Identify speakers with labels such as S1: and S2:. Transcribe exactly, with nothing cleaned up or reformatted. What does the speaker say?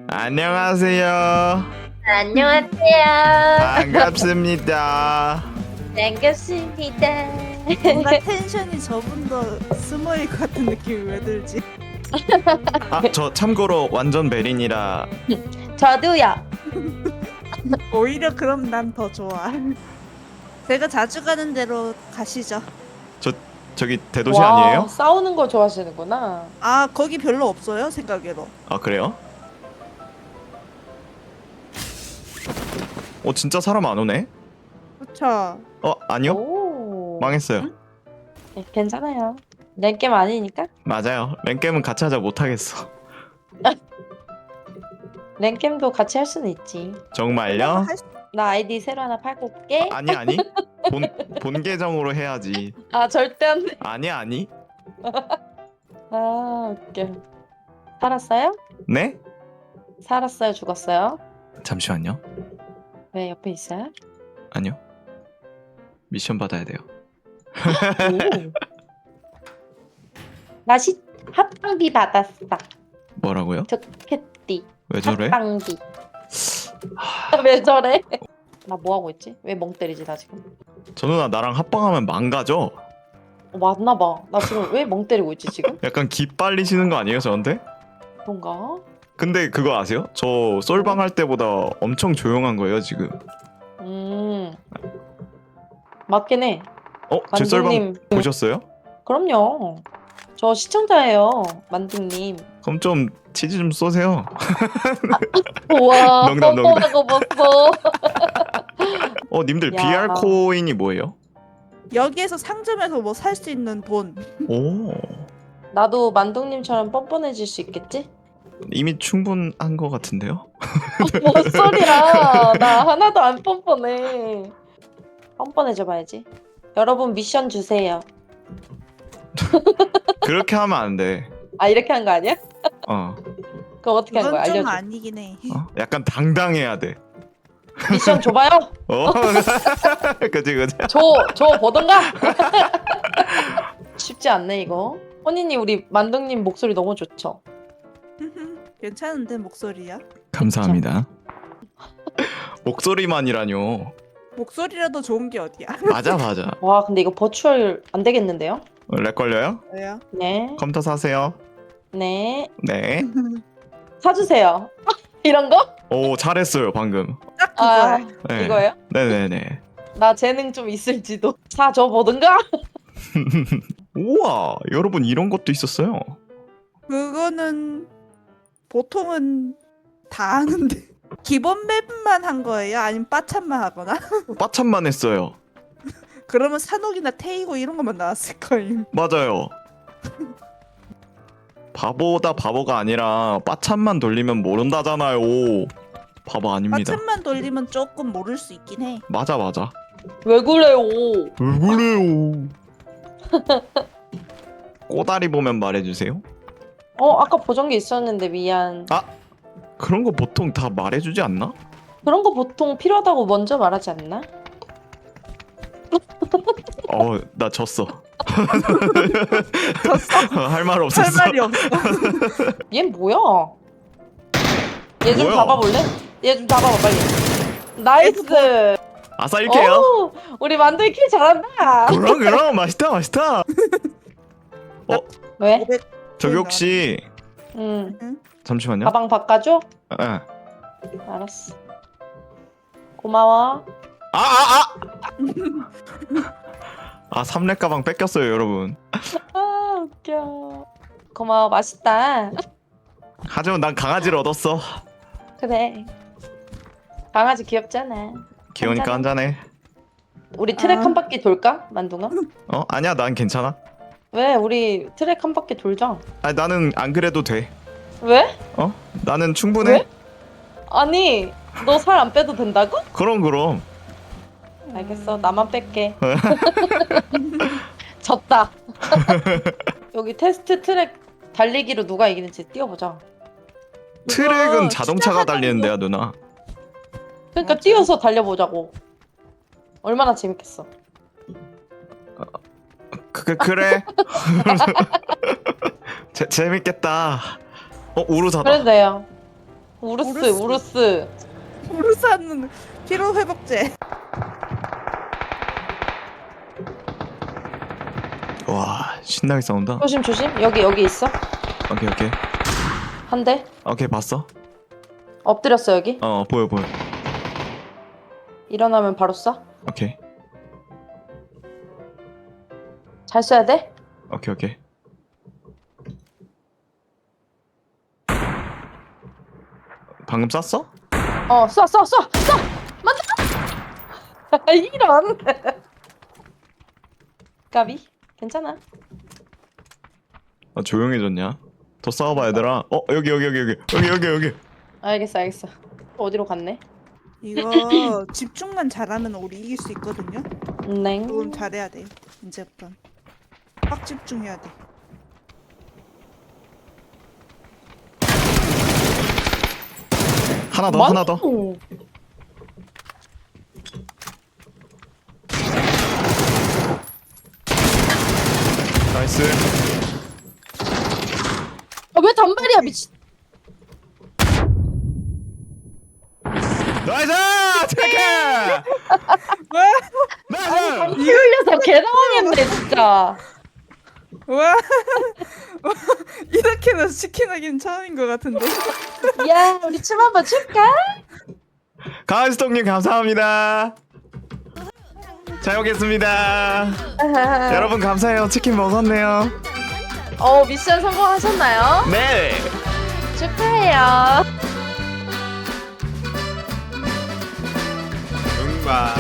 S1: 안녕하세요.
S2: 안녕하세요.
S1: 반갑습니다.
S2: 반갑습니다.
S3: 뭔가 텐션이 저분도 스모일 것 같은 느낌이 왜 들지?
S1: 아, 저 참고로 완전 베린이라.
S2: 저도요.
S3: 오히려 그럼 난 더 좋아. 제가 자주 가는 데로 가시죠.
S1: 저 저기 대도시
S4: 와,
S1: 아니에요?
S4: 싸우는 걸 좋아하시는구나.
S3: 아 거기 별로 없어요 생각외로.
S1: 아, 그래요? 어, 진짜 사람 안 오네?
S3: 그쵸.
S1: 어, 아니요?
S4: 오.
S1: 망했어요.
S4: 네, 괜찮아요. 내 게임 아니니까.
S1: 맞아요. 랭겜은 같이 하자 못하겠어.
S4: 랭겜도 같이 할 수는 있지.
S1: 정말요?
S3: 할 수-
S4: 나 아이디 새로 하나 팔고 올게.
S1: 아니 아니. 본, 본 계정으로 해야지.
S4: 아, 절대 안 돼.
S1: 아니 아니.
S4: 아, 웃겨. 살았어요?
S1: 네?
S4: 살았어요? 죽었어요?
S1: 잠시만요.
S4: 왜 옆에 있어요?
S1: 아니요. 미션 받아야 돼요.
S4: 오. 맛이 합방비 받았어.
S1: 뭐라고요?
S4: 좋겠디.
S1: 왜 저래?
S4: 합방비. 왜 저래? 나 뭐 하고 있지? 왜 멍 때리지 나 지금?
S1: 저 누나 나랑 합방하면 망가져.
S4: 어, 맞나 봐. 나 지금 왜 멍 때리고 있지 지금?
S1: 약간 기 빨리시는 거 아니에요 저한테?
S4: 그런가?
S1: 근데 그거 아세요? 저 솔방 할 때보다 엄청 조용한 거예요 지금.
S4: 음. 맞긴 해.
S1: 어? 제 솔방
S4: 만두님.
S1: 보셨어요?
S4: 그럼요. 저 시청자예요. 만두님.
S1: 그럼 좀 치즈 좀 쏘세요.
S4: 우와.
S1: 농담, 농담.
S4: 뻔뻔하고 봤어.
S1: 어, 님들
S4: 야.
S1: 비알 코인이 뭐예요?
S3: 여기에서 상점에서 뭐 살 수 있는 돈.
S1: 오,
S4: 나도 만두님처럼 뻔뻔해질 수 있겠지?
S1: 이미 충분한 거 같은데요?
S4: 뭔 소리야. 나 하나도 안 뻔뻔해. 뻔뻔해져 봐야지. 여러분 미션 주세요.
S1: 그렇게 하면 안 돼.
S4: 아, 이렇게 한 거 아니야?
S1: 어,
S4: 그럼 어떻게 한 거야?
S3: 그건 좀
S4: 알려줘.
S3: 아니긴 해.
S1: 어? 약간 당당해야 돼.
S4: 미션 줘봐요.
S1: 어, 그지 그지.
S4: 줘, 줘 보던가. 쉽지 않네 이거. 혼이님 우리 만둥님 목소리 너무 좋죠?
S3: 괜찮은데 목소리야?
S1: 감사합니다. 목소리만이라뇨.
S3: 목소리라도 좋은 게 어디야?
S1: 맞아 맞아.
S4: 와 근데 이거 버추얼 안 되겠는데요?
S1: 렉 걸려요?
S3: 왜요?
S4: 네,
S1: 컴퓨터 사세요.
S4: 네
S1: 네.
S4: 사주세요. 이런 거?
S1: 오, 잘했어요 방금.
S3: 딱
S4: 아
S3: 그거야.
S1: 네.
S4: 이거예요?
S1: 네네네.
S4: 나 재능 좀 있을지도. 사줘 보든가.
S1: 우와, 여러분 이런 것도 있었어요.
S3: 그거는 보통은 다 하는데. 기본 맵만 한 거예요? 아니면 빠참만 하거나?
S1: 빠참만 했어요.
S3: 그러면 산옥이나 테이고 이런 것만 나왔을 거임.
S1: 맞아요. 바보다 바보가 아니라 빠참만 돌리면 모른다잖아요. 바보 아닙니다.
S3: 빠참만 돌리면 조금 모를 수 있긴 해.
S1: 맞아 맞아.
S4: 왜 그래요?
S1: 왜 그래요? 꼬다리 보면 말해주세요.
S4: 어 아까 보정기 있었는데 미안.
S1: 아, 그런 거 보통 다 말해주지 않나?
S4: 그런 거 보통 필요하다고 먼저 말하지 않나?
S1: 어, 나 졌어.
S3: 졌어?
S1: 할 말
S3: 할
S1: 없었어.
S3: 말이 없어.
S4: 얘 뭐야? 얘 좀
S1: 뭐야?
S4: 잡아볼래? 얘 좀 잡아봐 빨리. 나이스.
S1: 아싸 일게요.
S4: 오, 우리 만두이 킬 잘한다.
S1: 그럼 그럼 맛있다 맛있다.
S4: 왜?
S3: 오백
S1: 저기 혹시
S4: 응.
S1: 잠시만요.
S4: 가방 바꿔줘?
S1: 예.
S4: 알았어. 고마워.
S1: 아, 아, 아! 아, 삼렙 가방 뺏겼어요, 여러분.
S4: 아 웃겨. 고마워 맛있다.
S1: 하지만 난 강아지를 얻었어.
S4: 그래. 강아지 귀엽잖아.
S1: 귀여우니까 한잔해.
S4: 우리 트랙
S3: 아.
S4: 한 바퀴 돌까? 만둥아?
S1: 어? 아니야, 난 괜찮아.
S4: 왜? 우리 트랙 한 바퀴 돌자.
S1: 아니, 나는 안 그래도 돼.
S4: 왜?
S1: 어? 나는 충분해.
S4: 왜? 아니 너 살 안 빼도 된다고?
S1: 그럼 그럼.
S4: 알겠어 나만 뺄게. 졌다. 여기 테스트 트랙 달리기로 누가 이기는지 뛰어보자.
S1: 트랙은
S3: 그거
S1: 자동차가
S3: 투자하자는
S1: 달리는데요, 누나.
S4: 그러니까
S3: 맞아.
S4: 뛰어서 달려보자고. 얼마나 재밌겠어.
S1: 그, 그 그래. 재 재밌겠다. 어, 우르사다.
S4: 그래도 돼요. 우르스
S3: 우르스.
S4: 우르스.
S3: 우르사는 피로 회복제.
S1: 와 신나게 싸운다.
S4: 조심 조심. 여기 여기 있어.
S1: 오케이 오케이
S4: 한 대.
S1: 오케이 봤어?
S4: 엎드렸어 여기.
S1: 어 보여 보여.
S4: 일어나면 바로 쏴.
S1: 오케이
S4: 잘 쏴야 돼.
S1: 오케이 오케이. 방금 쐈어?
S4: 어, 쏴, 쏴, 쏴, 쏴! 맞아! 이런! 까비? 괜찮아.
S1: 아 조용해졌냐? 더 싸워봐 얘들아. 어 여기 여기 여기 여기 여기 여기 여기.
S4: 알겠어, 알겠어. 어디로 갔네?
S3: 이거 집중만 잘하면 우리 이길 수 있거든요.
S4: 넹.
S3: 조금 잘해야 돼. 이제부터 빡 집중해야 돼.
S1: 하나 더 하나 더.
S4: 오.
S1: 나이스.
S4: 아, 왜 단발이야, 미친.
S1: 나이스! 체크! 나이스!
S4: 이 흘려서 개당황했네, 진짜.
S3: 와 이렇게는 치킨하기는 처음인 것 같은데.
S4: 야, 우리 춤 한번 출까?
S1: 가은스톡님 감사합니다. 잘 먹겠습니다. 여러분 감사해요. 치킨 먹었네요.
S4: 어, 미션 성공하셨나요?
S1: 네.
S4: 축하해요.
S1: 응바.